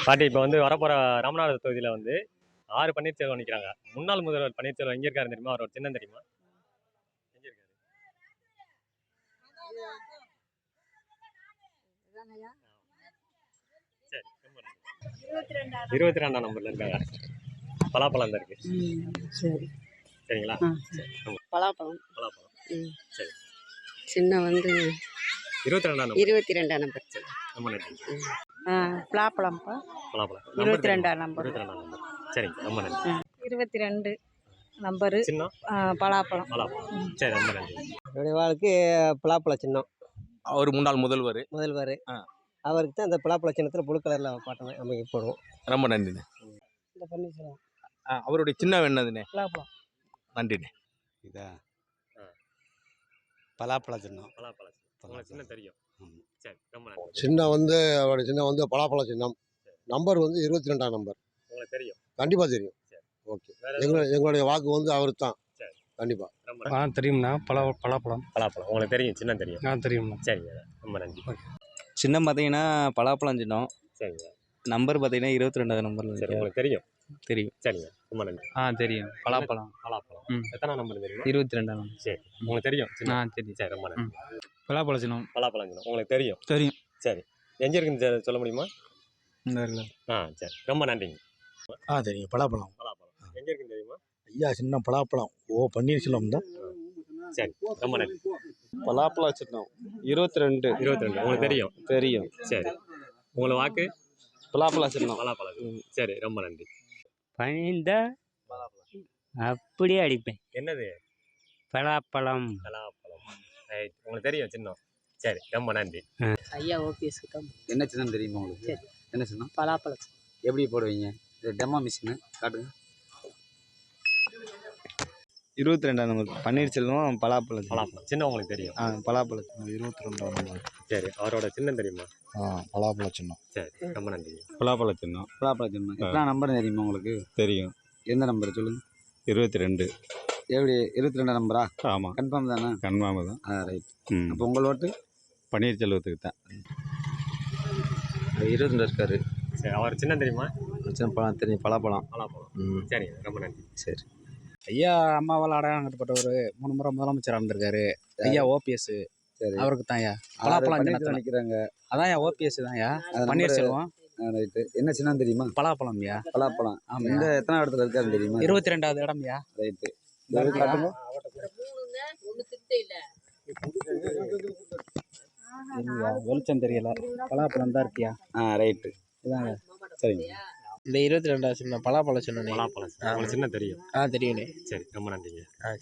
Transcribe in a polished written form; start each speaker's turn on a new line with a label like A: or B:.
A: பாட்டி இப்போ வந்து வரப்போற ராமநாதபுரம் தொகுதியில் வந்து பன்னீர்செல்வம் நிற்கிறாங்க. முன்னாள் முதல்வர் பன்னீர்செல்வம் எங்கே இருக்காரு தெரியுமா? அவரோட சின்னம் தெரியுமா? எங்க இருக்காரு? சரி, ரொம்ப நன்றி. 22ஆம் நம்பர்ல இருக்காங்க. பலாப்பழம் தான் இருக்கு.
B: சரி.
A: சரிங்களா? சரி,
B: பலாப்பழம்.
A: பலாப்பழம். சரி.
B: சின்ன வந்து
A: 22ஆம் நம்பர்.
B: 22ஆம் நம்பர்.
A: சரி, ரொம்ப நன்றி.
B: பலாப்பழம்ப்பா.
A: பலாப்பழம்.
B: 22ஆம் நம்பர்.
A: 22ஆம் நம்பர். சரிங்க, ரொம்ப நன்றி.
B: 22 நம்பரு
A: சின்னம்
B: பலாப்பழம்.
A: பலாப்பழம். சரி, ரொம்ப நன்றி.
C: என்னுடைய வாழ்க்கை பலாப்பழ சின்னம்.
D: அவர் முன்னாள் முதல்வர்.
C: அவருக்கு தான் அந்த பலாப்பழ சின்னத்தில் புழு கலரில் பாட்டை அமைக்க போடுவோம்.
D: ரொம்ப நன்றிண்ணே.
C: இந்த பன்னீர்செல்வம்
D: அவருடைய சின்னம் என்னதுண்ணே?
C: பலாப்பழம்.
D: நன்றிண்ணே.
E: இதா பலாப்பழ சின்னம்.
A: பலாப்பழம் உங்களுக்கு சின்னம் தெரியும். சரி, ரொம்ப நன்றி.
F: சின்னம் வந்து அவருடைய சின்னம் வந்து பலாப்பழ சின்னம். நம்பர் வந்து 22ஆம் நம்பர்.
A: உங்களுக்கு தெரியும்.
F: கண்டிப்பாக தெரியும். ஓகே, எங்களுடைய வாக்கு வந்து அவருக்கு தான். கண்டிப்பாக
G: தெரியும்ண்ணா. பலாப்பழம்.
A: பலாப்பழம் உங்களுக்கு தெரியும், சின்னம் தெரியும்.
G: தெரியும்ண்ணா.
A: சரிங்க, ரொம்ப நன்றி.
H: சின்னம் பார்த்தீங்கன்னா பலாப்பழம் சின்னம்.
A: சரிங்க.
H: நம்பர் பார்த்தீங்கன்னா 22ஆவது நம்பர்.
A: சரி, உங்களுக்கு தெரியும்.
H: தெரியும்.
A: சரிங்க, ரொம்ப நன்றி.
H: தெரியும். பலாப்பழம்.
A: எத்தனை நம்பர் தெரியும்?
H: 22ஆம் நம்பர்.
A: சரி, உங்களுக்கு தெரியும்.
H: தெரியும்.
A: சரி, ரொம்ப நன்றி.
G: பலாப்பழ சின்னம்.
A: பலாப்பழம் சின்னம் உங்களுக்கு தெரியும்.
G: தெரியும்.
A: சரி, எங்கே இருக்குன்னு சொல்ல முடியுமா? சரி, ரொம்ப நன்றிங்க.
E: தெரியும். பலாப்பழம்.
A: பலாப்பழம் எங்கே இருக்குன்னு தெரியுமா?
E: ஐயா சின்ன பலாப்பழம். பன்னீர்செல்வம் தான்.
A: சரி, ரொம்ப நன்றி.
D: பலாப்பழ சின்னம் 22.
A: உங்களுக்கு தெரியும்.
H: தெரியும்.
A: சரி, உங்களை வாக்கு
H: பலாப்பழ சின்னம்.
A: பலாப்பழம். சரி, ரொம்ப நன்றி.
I: பணிந்த அப்படியே அடிப்பேன்.
A: என்னது?
I: பலாப்பழம்.
A: பலாப்பழம். ரைட், உங்களுக்கு தெரியும் சின்னம். சரி, ரொம்ப நன்றி.
B: ஐயா ஓபிஎஸ்க்கு தான்.
J: என்ன சின்னம் தெரியுமா உங்களுக்கு?
B: சரி.
J: என்ன சின்னம்?
B: பலாப்பழம்.
J: எப்படி போடுவீங்க? இது டெமோ மிஷினு காட்டுங்க.
H: 22ஆம் நம்பர் பன்னீர்செல்வம் பலாப்பழம்.
A: பலாப்பழம் சின்னம் உங்களுக்கு தெரியும்.
H: பலாப்பழம்
E: 22ஆம் நம்பர்.
A: சரி, அவரோட சின்னம் தெரியுமா?
E: பலாப்பழ சின்னம்.
A: சரி, ரொம்ப நன்றி.
D: பலாப்பழ சின்னம்.
J: பலாப்பழ சின்னம். எத்தனை நம்பர் தெரியுமா உங்களுக்கு?
D: தெரியும்.
J: எந்த நம்பர் சொல்லுங்க?
D: 22.
J: எப்படி 22 நம்பரா?
D: ஆமாம்,
J: கன்ஃபார்ம் தானே?
D: கன்ஃபார்ம் தான்.
J: ரைட். அப்போ உங்கள் ஓட்டு
D: பன்னீர்செல்வத்துக்கு தான்.
H: 22 இருக்காரு.
A: சரி, அவர் சின்னம் தெரியுமா?
H: பழம் தெரியும். பலாப்பழம்.
A: பலாப்பழம். சரி, ரொம்ப நன்றி.
H: சரி.
G: ஐயா அம்மாவால் அடையாளம் கட்டப்பட்டவர் 3 முறை முதலமைச்சராக இருந்திருக்காரு. ஐயா ஓபிஎஸ்.
J: சரி.
G: அவருக்கு தான் ஐயா பலாப்பழம்
J: நிற்கிறாங்க.
G: அதான் ஓபிஎஸ் தான் ஐயா பன்னீர்செல்வம்.
J: ரைட்டு. என்ன சின்னம் தெரியுமா?
G: பலாப்பழம் ஐயா.
J: பலாப்பழம். இந்த எத்தனை இடத்துல இருக்காருன்னு தெரியுமா?
G: 22வது இடம் ஐயா.
J: ரைட்டு.
G: வெளிச்சம் தெரியல. பலாப்பழம் தான் இருக்கியா?
J: ரைட்டு.
G: இதாங்க.
J: சரிங்க.
G: இந்த 22 சின்ன பலாப்பழம் சின்ன.
A: பலாப்பழம் உங்களுக்கு சின்னம் தெரியும்.
G: தெரியும்.
A: சரி, ரொம்ப நன்றிங்க.